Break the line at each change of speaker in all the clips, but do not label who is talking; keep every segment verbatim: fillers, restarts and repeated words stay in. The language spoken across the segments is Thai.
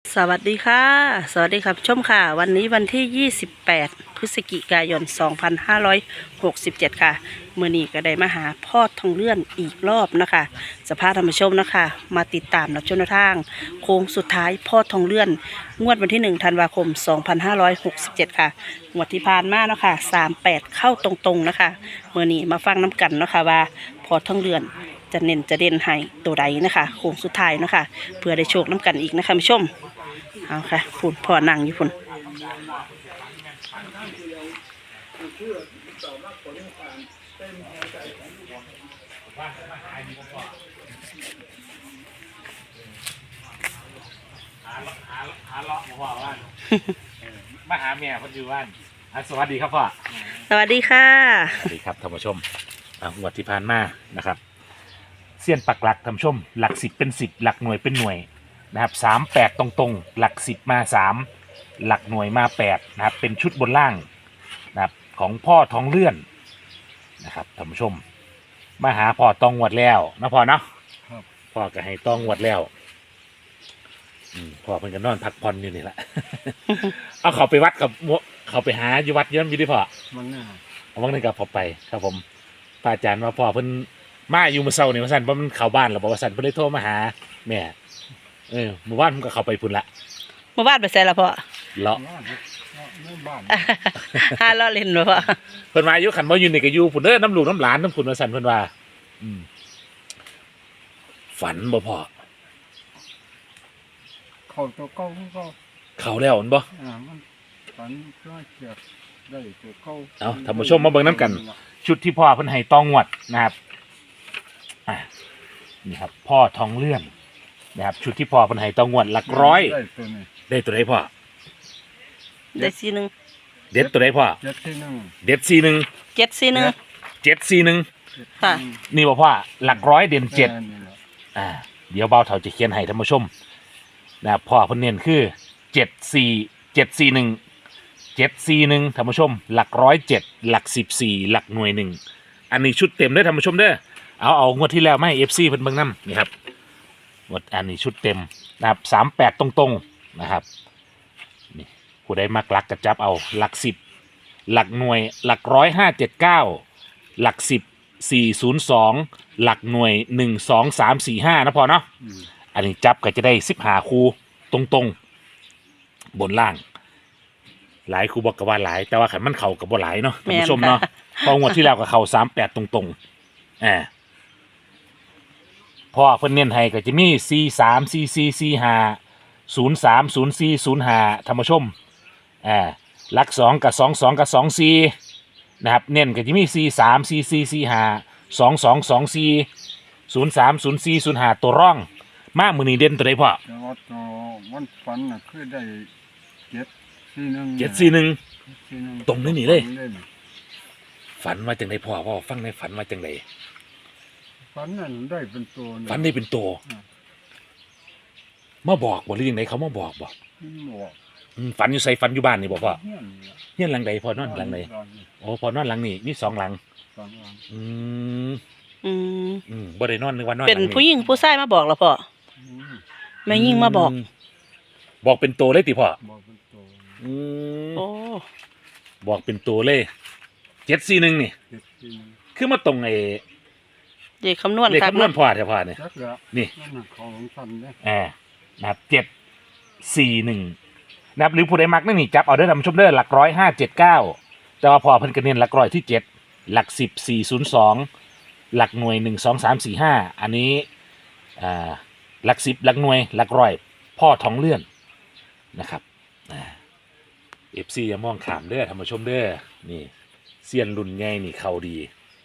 สวัสดีค่ะสวัสดีครับชมค่ะวันนี้วันที่ยี่สิบแปดพฤศจิกายนสองพันห้าร้อยหกสิบเจ็ดค่ะเมื่อนี้ก็ได้มาหาพ่อทองเลื่อนอีกรอบนะคะสภาพธรรมชมนะคะมาติดตามรับชมแนวทางโค้งสุดท้ายพ่อทองเลื่อนงวดวันที่หนึ่งธันวาคมสองพันห้าร้อยหกสิบเจ็ดค่ะงวดที่ผ่านมาเนาะค่ะสามแปดเข้าตรงๆนะคะเมื่อนี้มาฟังน้ำกันเนาะค่ะว่าพ่อทองเลื่อนจะเน้นจะเด่นให้ตัวใดนะคะโค้งสุดท้ายเนาะค่ะเพื่อได้โชคน้ำกันอีกนะคะผู้ชม เอาค่ะพุ่นพ่อนั่งอยู่พุ่น
หาหาหาเลาะมาพ่อว่านมาหาแม่คนอยู่บ้านอ่ะสวัสดีครับพ่อ
สวัสดีค่ะ
สวัสดีครับท่านผู้ชมอ่ะงวดที่ผ่านมานะครับเสี้ยนปักหลักท่านผู้ชมหลักสิบเป็นสิบหลักหน่วยเป็นหน่วยนะครับสามแปดตรงๆหลักสิบมาสามหลักหน่วยมาแปดนะครับเป็นชุดบนล่างนะครับของพ่อทองเลื่อนนะครับท่านผู้ชมมาหาพ่อตองงวดแล้วนะพ่อเนาะพ่อก็ให้ตองงวดแล้วพ่อเพิ่นก็นอนพักผ่อนอยู่นี่แหละ เอาเขาไปวัดกับเขาไปหาอยู่วัดเยอะมีดิพ่อ
มันน่ะ
เอาวันนึงกับพอไปครับผมพระอาจารย์ว่าพ่อเพิ่นมาอยู่มื้อเช้านี่ว่าซั่นเพราะมันเข้าบ้านแล้วบอกว่าซั่นเพิ่นเลยโทรมาหาแม่เออเมื่อวานผมก็เข้าไปพุ่นละ
เมื่อวานไปใส่ละพ่อ
เลาะ
ไม่บ้าน
ห้าล้อเล่นบ่พ่อ
เพิ่นมาอยู่คันบ่อยู่นี่ก็อยู่พุ่นเด้อน้ำลูกน้ำหลานน้ำพุ่นว่าซั่นเพิ่นว่าอืมฝันบ่พ่อ
เขาตัวเก่าก็
เข้าแล้วมันบ่
อ่ามันฝันร้อยเกียบได้ตัวเก่า
เอาท่านผู้ชมมาเบิ่งน้ำกันชุดที่พ่อเพิ่นให้ตองงวดนะครับอ่านี่ครับพ่อทองเลื่อนนะครับชุดที่พ่อเพิ่นให้ตองงวดหลักร้อย
ได้ตัวนี้
ได้ตัวใดพ่อ
ได้สี่หนึ่ง
เด็ดตัวใดพ่อ
เจ็ดสี่หนึ่ง
เด็ดสี่หนึ่ง
เจ็ดสี่หนึ่ง
เจ็ดสี่หนึ่ง
ค่ะ
นี่บอกว่าหลักร้อยเด่นเจ็ดอ่าเดี๋ยวเบาเถาจะเขียนให้ท่านผู้ชมนะพ่อเพิ่นเน้นคือเจ็ดสี่เจ็ดสี่หนึ่งเจ็ดสี่หนึ่งท่านผู้ชมหลักร้อยเจ็ดหลักสิบสี่หลักหน่วยหนึ่งอันนี้ชุดเต็มเด้อท่านผู้ชมเด้อเอาเอางวดที่แล้วมาให้เอฟซีเพิ่นเบิ่งนำนี่ครับงวดอันนี้ชุดเต็มนะครับสามแปดตรงๆนะครับนี่ผู้ใดมักหลักก็จับเอาหลักสิบหลักหน่วยหลักร้อยห้าเจ็ดเก้าหลักสิบสี่ศูนย์สองหลักหน่วยหนึ่งสองสามสี่ห้านะพอเนาะอันนี้จับก็จะได้สิบหาคูตรงตรงบนล่างหลายคูบอกกับว่าหลายแต่ว่าขันมันเข่ากับบ่หลายเนาะท่านผู้ชมเนาะพองวดที่แล้วกับเข่าสามแปดตรงตรงอ่าพอเพิ่นเน้นให้ก็จะมีสี่สามสี่สี่สี่ห้าศูนย์สามศูนย์สี่ศูนย์ห้าท่านผู้ชมอ่าหลักสองกับสองสองกับสองสี่นะครับเน้นก็จะมีสี่สามสี่สี่สี่ห้าสองสองสองสี่ศูนย์สามศูนย์สี่ศูนย์ห้าตัวร่องมากมือนี้เด่นตัวใดพ่อ
แต่ว่าตัววันฝันน่ะคือได้เจ็ดสี่หนึ่ง
เจ็ดสี่หนึ่งตรงนี้นี่เลยฝันว่าจังไดพ่อพ่อฟังในฝันว่าจังได
ฝันนั่นได้เป็นตัว
ฝันได้เป็นตัวมาบอกบ่หรือยังไงเขามาบอกบ่
บอก
ฝันอยู่ใส่ฝันอยู่บ้านนี่บอกพ่อเฮียนหลังใดพ่อนอนหลังใดโอ้พ่อนอนหลังนี่มีสองหลังอืม
อืม
อืมบ่ได้นอนนึกว่านอน
เป็นผู้หญิงผู้ชายมาบอกแล้วพ่อแม่ยิ่งมาบอก
บอกเป็นตัวเลยติพ่อ
บอกเป็นตัว
อืม
โอ้
บอกเป็นตัวเลยเจ็ดสี่หนึ่งนี่คือมาตรงไอ้
เลขคำนวณ
เลขคำนวณพ่อแท้พ่อเนี่ยนี่อ่านะครับเจ็ดสี่หนึ่งนะครับหรือผู้ใดมักนั่นนี่จับเอาได้ทำชมเด้อหลักร้อยห้าเจ็ดเก้าแต่ว่าพอเพิ่นกระเน้นหลักร้อยที่เจ็ดหลักสิบสี่ศูนย์สองหลักหน่วยหนึ่งสองสามสี่ห้าอันนี้อ่าหลักสิบหลักหน่วยหลักร้อยพ่อทองเลื่อนนะครับเอฟซีอย่ามองขามเด้อทำชมเด้อนี่เซียนรุ่นใหญ่นี่เขาดี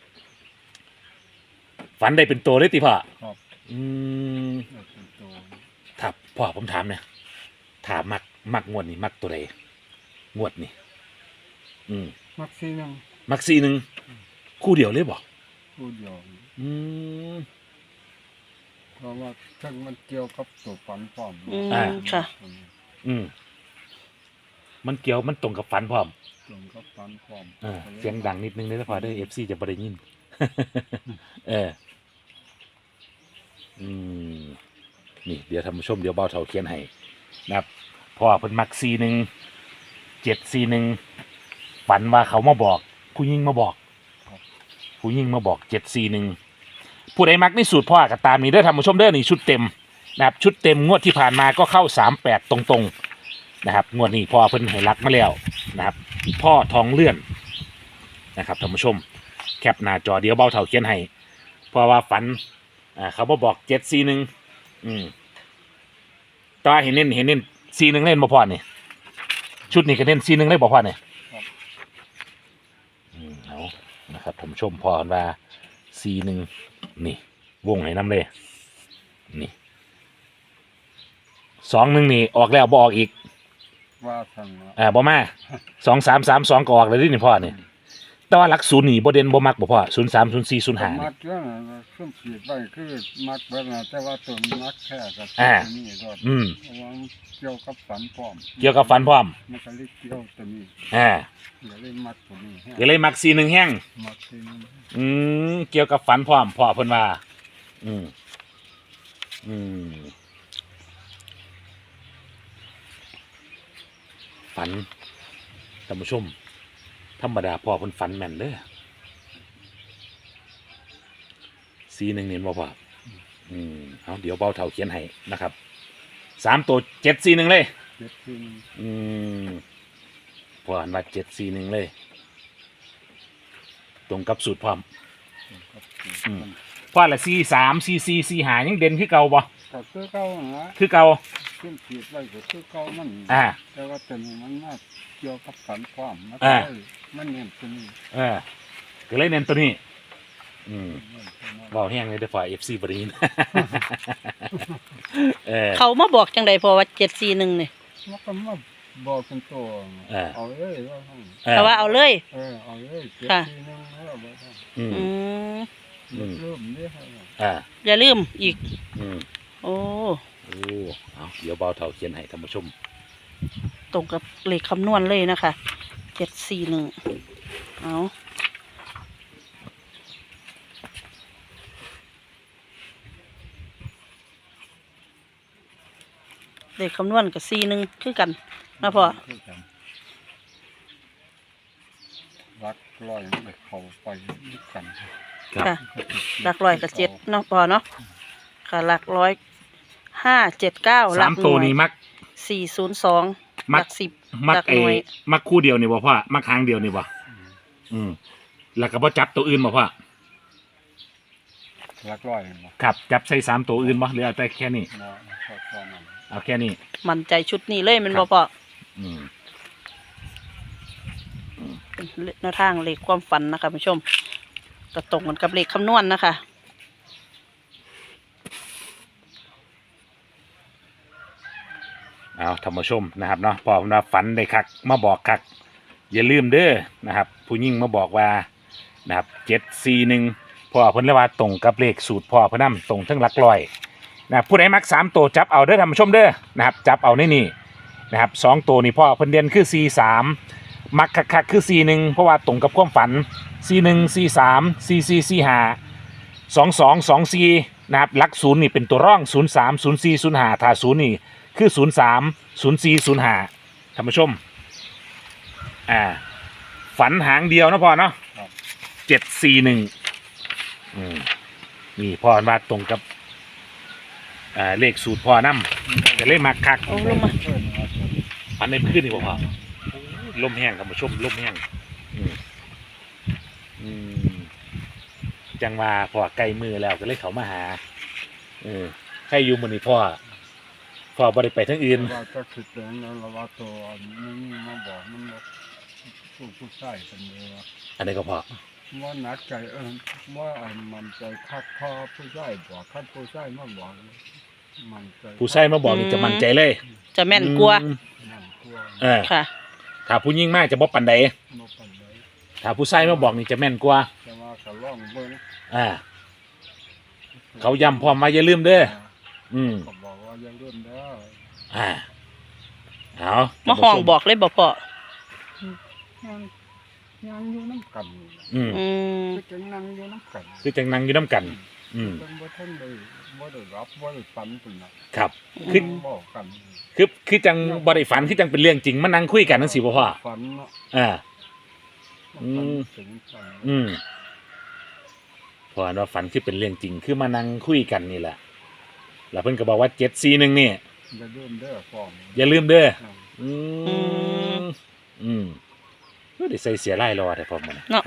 ฝันได้เป็นตัวเลยติพ่ออืมครับพ่อผมถามเนี่ยถามมักมักงวดนี่มักตัวใดงวดนี่อืม
มักซีหนึ่ง
มักซีหนึ่งคู่เดียวเลยบอก
คู่เดียว
อืม
เพราะว่าทั้งมันเกี่ยวกับตัวฝันพร้อม
อ่าค่ะ
อืมมันเกี่ยวมันตรงกับฝันพร้อม
ตรงกับฝันพร้อม
อ่าเสียงดังนิดนึงเลยนะพอได้เอฟซีจะบ่ได้ยินเอออืมนี่เดี๋ยวท่านผู้ชมเดี๋ยวเบาเถาเขียนให้นะครับพ่อเพิ่นมักซีหนึ่งเจ็ดซีหนึ่งฝันว่าเขามาบอกผู้หญิงมาบอกผู้หญิงมาบอกเจ็ดซีหนึ่งผู้ใดมักในสูตรพ่อก็ตามนี้เด้อท่านผู้ชมเด้อนี่ชุดเต็มนะครับชุดเต็มงวดที่ผ่านมาก็เข้าสามแปดตรงๆนะครับงวดนี้พ่อเพิ่นให้รักมาแล้วนะครับพ่อทองเลื่อนนะครับท่านผู้ชมแคปหน้าจอเดี๋ยวเบาเท่าเขียนให้เพราะว่าฝันอ่าเขามาบอกเจ็ดซีหนึ่งอืมตาเห็นเน้นเห็นเน้นซีหนึ่งเล่นบ่พอนี่ชุดนี้ก็เน้นซีหนึ่งเล่นบ่พอนี่อืมเอานะครับท่านผู้ชมพอกันว่าซีหนึ่งนี่วงให้น้ำเลยนี่สองหนึ่งนี่ออกแล้วบออกอีก
ว่าสั่งเนาะ
อ่าบ่มาสองสามสามสองก็ออกเลยนี่พ่อนี่แต่ว่าหลักศูนย์นี่บ่เด่นบ่มักบ่พ่อศูนย์สามศูนย์สี่ศูนย์ห้า
มัดเรื่องน่ะเครื่องขีดไว้คือมัดไว้นะแต่ว่าตัวมัดแค่กับ
อ่า
ตัวนี้ก็
อืม
เพราะว่ามันเกี่ยวกับฝันพร้อม
เกี่ยวกับฟันพร้อม
มันก็เลยเกี่ยวตัวนี้
อ่า
อย่าเลยมัดตัวนี้ให้
ก็เลยมักซีหนึ่งแห้ง
มัดที่นี่
อืมเกี่ยวกับฟันพร้อมพ่อเพิ่นว่าอืมอืมฝันท่านผู้ชมธรรมดาพ่อเพิ่นฝันแม่นเด้อซีหนึ่งเนี่ยบ่พ่ออืมเอาเดี๋ยวเบาเท่าเขียนให้นะครับสามตัวเจ็ดซีหนึ่งเลย
เจ็ดที่นี่
อืมพ่ออ่านว่าเจ็ดซีหนึ่งเลย ตรงกับสูตรพร้อม
ครับ
อืม พ่อละซีสามซีซีซีหายังเด่นคือเก่าบ่
ก็คือเก่าหั่นละ
คือเก่า
เครื่องขีดไว้ก็คือเก่ามัน
อ่า
แต่ว่าตัวนี้มันมาเกี่ยวกับฝันพร้อมมัน
อ่า
ก็เลยมันเน้นตัวนี้
เออก็เลยเน้นตัวนี้ อืม
เน้นตัวนั้น
บอกแห้งเลยเด้อฝ่ายเอฟซีบรีน เออ
เขามาบอกจังใดพอว่าเจ็ดสี่หนึ่งนี่
มันก็มาบอกเป็นตัว
เออ
เอาเลยว่าให้
เออ
แต่ว่าเอาเลย
เออเอาเลยเจ็ด
ค่ะ
ทีนึงแล้วเอาไว้ให้
อืม
อืม
อืม
เริ่มนี่ให้
อ่า
อย่าลืมอีก
อืม
โอ้
โอ้เอาเดี๋ยวเบาเท่าเขียนให้ท่านผู้ชม
ตรงกับเลขคำนวณเลยนะคะเจ็ดสี่หนึ่งเอาเลขคำนวณกับสี่หนึ่งคือกันนะพ่อ
คือกันรักลอยมันไปเข้าไปด้วยกัน
ครับ
ค่ะหลักร้อยกับเจ็ดเนาะพ่อเนาะค่ะหลักร้อยห้าเจ็ดเก้าหลั
สาก ม
ห
ตัว
น่วย
นี้มัก
สี่ศูนย์สอง
มั
ห
ก
ลักสิบ
มัก
หลัก
ไอ้
หน่วย
มักคู่เดียวนี่บ่พ่อมักหางเดียวนี่บ่อืมแล้วก็บ่จับตัวอื่นบ่พ่อ
รักลอยมา
ครับจับใส่สามตัวอื่นบ่หรือเอาแต่แค่นี้
เนาะชอบตอนนั้น
เอาแค่นี้
มั่นใจชุดนี้เลยแมัน
ครับ
่
บ
พ่อ
อืม
เป็นแนวทางเลขความฝันนะคะผู้ชมก็ตรงกันกับเลขคำนวณนะคะ
เอาท่านผู้ชมนะครับเนาะพอผมว่าฝันได้คักมาบอกคักอย่าลืมเด้อนะครับ ผู้ยิ่งมาบอกว่านะครับเจ็ดสี่หนึ่งพ่อเพิ่นเลยว่าตรงกับเลขสูตรพ่อเพิ่นนำตรงทั้งหลักร้อยนะครับผู้ใดมักสามตัวจับเอาเด้อท่านผู้ชมเด้อนะครับจับเอาในนี่นะครับสองตัวนี่พ่อเพิ่นเด่นคือสี่สามมักคักๆคือสี่หนึ่งเพราะว่าตรงกับความฝันสี่หนึ่งสี่สามสี่สี่สี่ห้าสองสองสองสี่นะครับหลักศูนย์นี่เป็นตัวร่องศูนย์สามศูนย์สี่ศูนย์ห้าถ้าศูนย์นี่คือศูนย์สามศูนย์สี่ศูนย์ห้าท่านผู้ชมอ่าฝันหางเดียวนะพ่อเนาะ
ครับ
เจ็ดสี่หนึ่งอืมนี่พ่อมาตรงกับอ่าเลขสูตรพ่อนำจะเลขมาคัก
โอ้ลงมา
เพิ่นว่าจะ
อันในพื้นนี่บ่พ่อลมแห้งท่านผู้ชมลมแห้งอืมอืมจังว่าพ่อใกล้มือแล้วก็เลยเขามาหาเออใครอยู่มื้อนี้พ่อพ่อบ่ได้ไปทางอื่น
ว่าจะคิดแต่นั้นแล้วว่าตัวนี้มาบอกมันว่าผู้ผู้ชายกันเลยว่า
อันนี้ก็พอ
ว่าหนักใจเออว่าอันมันใจคักคอผู้ชายบอกคัดผู้ชายมาบอกมันใจ
ผู้ชายมาบอกนี่จะมั่นใจเลย
จะแม่นกลัว
อืม
มันกลัว
เออ
ค่ะ
ถ้าผู้ยิ่งมากจะบ่ปันใด
มาปันเลย
ถ้าผู้ชายมาบอกนี่จะแม่นกว่า
แต่ว่าก็ล่องเบิ้ง
อ่า เขาย้ำพร้อมมาอย่าลืมเด้อ อืม
ก็บอกว่าอย่าเลื่อนเด้อ
อ่า เอา
มาห้องบอกเลยบอกพ่อ
ยังยังอยู่น้ำกันนี่แหละ
อืม
อืม
คือจังนั่งอยู่น้ำกัน
คือจังนังอยู่น้ำกันอืม
เป็นบ่ท่านได้บ่ได้รับบ่ได้ฝันเป็นน่ะ
ครับ คือ
บอกกัน
คือคือจังบ่ได้ฝันคือจังเป็นเรื่องจริงมานั่งคุยกันจังซี่บ่พ่อ
ฝันเนาะ
อ่า
ฝัน
อืม
ถึงฝัน
อืมเพราะว่าฝันคือเป็นเรื่องจริงคือมานั่งคุยกันนี่แหละแล้วเพิ่นก็บอกว่าเจ็ดสี่หนึ่งนี่
อย่าลืมเด้อฟอม
อย่าลืมเด้อ
อ่า
อืมอืมก็ได้ใส่เสียไล่รอแต่พอมัน
เนาะ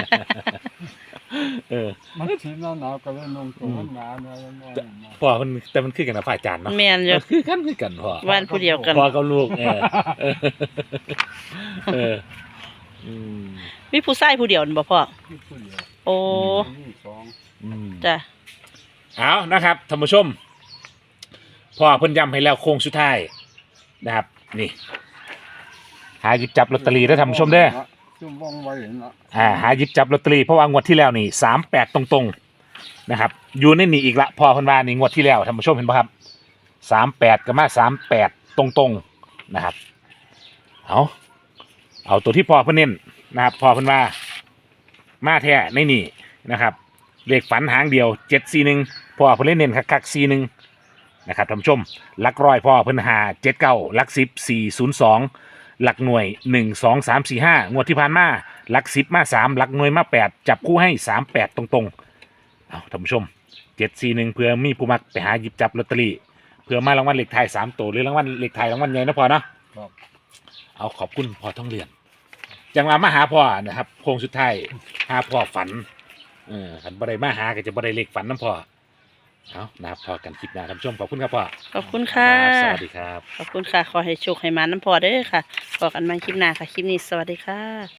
เออ
มันสิหนาวๆก็เลยนุ่งตัวมันหนาเนาะแล้วนอนมา
พ่อมันแต่มันคือกันนะฝ่ายจานเนาะ
แม่นอยู่
คือกันคือกันพ่อ
วันผู้เดียวกัน
พ่อกับลูกเออเออเอออืม
มีผู้ชายผู้เดียวนั่นบ่พ่อ
ที่ผู้เดียว
โอ้
นี่สอง
อืม
จ้ะ
เอานะครับท่านผู้ชมพ่อเพิ่นย้ำให้แล้วโค้งสุดท้ายนะครับ นี่ หาหยิบจับลอตเตอรี่ได้อท่านผู้ชมเด้อ
ซุ่มว่องไว้เนาะ
อ่าหาหยิบจับลอตเตอรี่เพราะว่างวดที่แล้วนี่สามแปดตรงๆนะครับ อยู่ในนี่อีกละพอเพันวานี่งวดที่แล้วท่านผู้ชมเห็นป่ะครับสามแปดก็มาสามแปดตรงๆนะครับเอาเอาตัวที่พอเพิ่นเน้นนะครับพอเพันวามาแท้ในนี่นะครับเลขฝันหางเดียวเจ็ดสี่หนึ่งพอเพิ่นเล่นเน้นคักๆสี่หนึ่งนะครับท่านผู้ชมหลักร้อยพอเพิ่นหาเจ็ดเก้าหลักสิบสี่ศูนย์สองหลักหน่วยหนึ่งสองสามสี่ห้างวดที่ผ่านมาหลักสิบมาสามหลักหน่วยมาแปดจับคู่ให้สามแปดตรงๆเอาท่านผู้ชมเจ็ดสี่หนึ่งเพื่อมีผู้มักไปหาหยิบจับลอตเตอรี่เพื่อมารางวัลเลขไทายสามตัวหรือรางวัลเลขไทายรางวัลใหญ่นะพอเนาะ
ครับ
เอาขอบคุณพอท่องเรียนจังหวะมาหาพ่อนะครับโค้งสุดท้ายหาพ่อฝันเออขันบ่ได้มาหาก็จะบ่ได้เลขฝันน้ำพ่อเอานะครับพอกันคลิปหน้าท่านผู้ชมขอบคุณครับพ่อ
ขอบคุณค่ะ
รับสวัสดีครับ
ขอบคุณค่ะ ขอให้โชคให้มาน้ำพอเด้อค่ะพอกันใหมาคลิปหน้าค่ะ คลิปนี้สวัสดีค่ะ